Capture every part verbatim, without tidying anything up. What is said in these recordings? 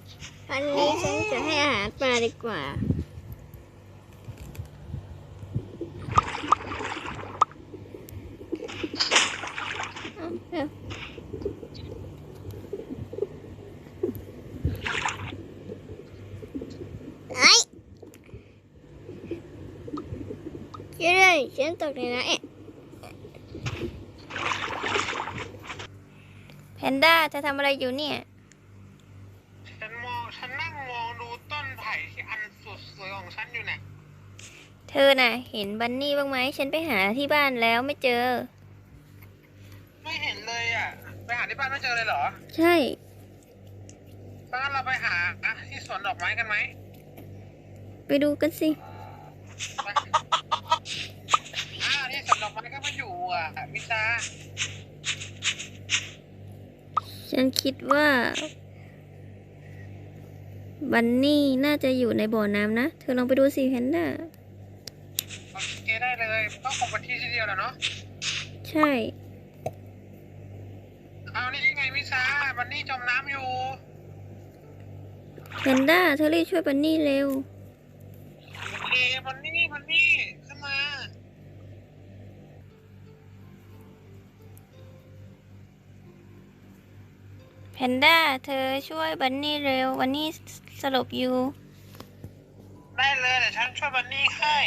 วันนี้ฉันจะให้อาหารปลาดีกว่าไอ้เจ๊เลยฉันตกในน้ำเอ๊ะแพนด้าจะทำอะไรอยู่เนี่ยฉันมองฉันนั่งมองดูต้นไผ่ที่อันสุดสวยของฉันอยู่เนี่ยเธอน่ะเห็นบันนี่บ้างไหมฉันไปหาที่บ้านแล้วไม่เจอไม่เห็นเลยอ่ะไปหาที่บ้านไม่เจอเลยเหรอใช่งั้นเราไปหาที่สวนดอกไม้กันไหมไปดูกันสิอ่าที่สวนดอกไม้ก็มาอยู่อ่ะวิชาฉันคิดว่าบันนี่น่าจะอยู่ในบ่อน้ำนะเธอลองไปดูสิแพนด้าโอเคได้เลยก็คงเป็นที่ที่เดียวแหละเนาะใช่เอานี่ไงวิชาบันนี่จมน้ำอยู่แพนด้าเธอรีบช่วยบันนี่เร็วเอ้บันนี่บันนี่ขึ้นมาแพนด้าเธอช่วยบันนี่เร็วบันนี่สลบอยู่ได้เลยเดี๋ยวฉันช่วยบันนี่ให้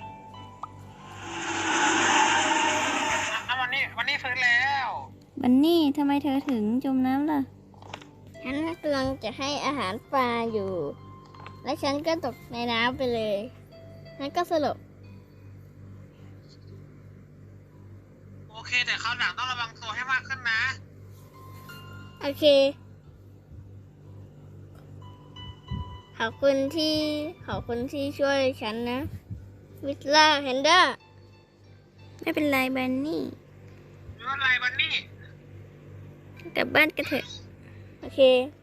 วันนี้วันนี้ฟื้นแล้วบันนี่ทำไมเธอถึงจมน้ำล่ะฉันกำลังจะให้อาหารปลาอยู่และฉันก็ตกในน้ำไปเลยฉันก็สลบโอเคแต่คราวหลังต้องระวังตัวให้มากขึ้นนะโอเคขอบคุณที่ขอบคุณที่ช่วยฉันนะวิสล่าแพนด้าไม่เป็นไรบันนี่ไม่เป็นไรบันนี่กลับบ้านกันเถอะโอเค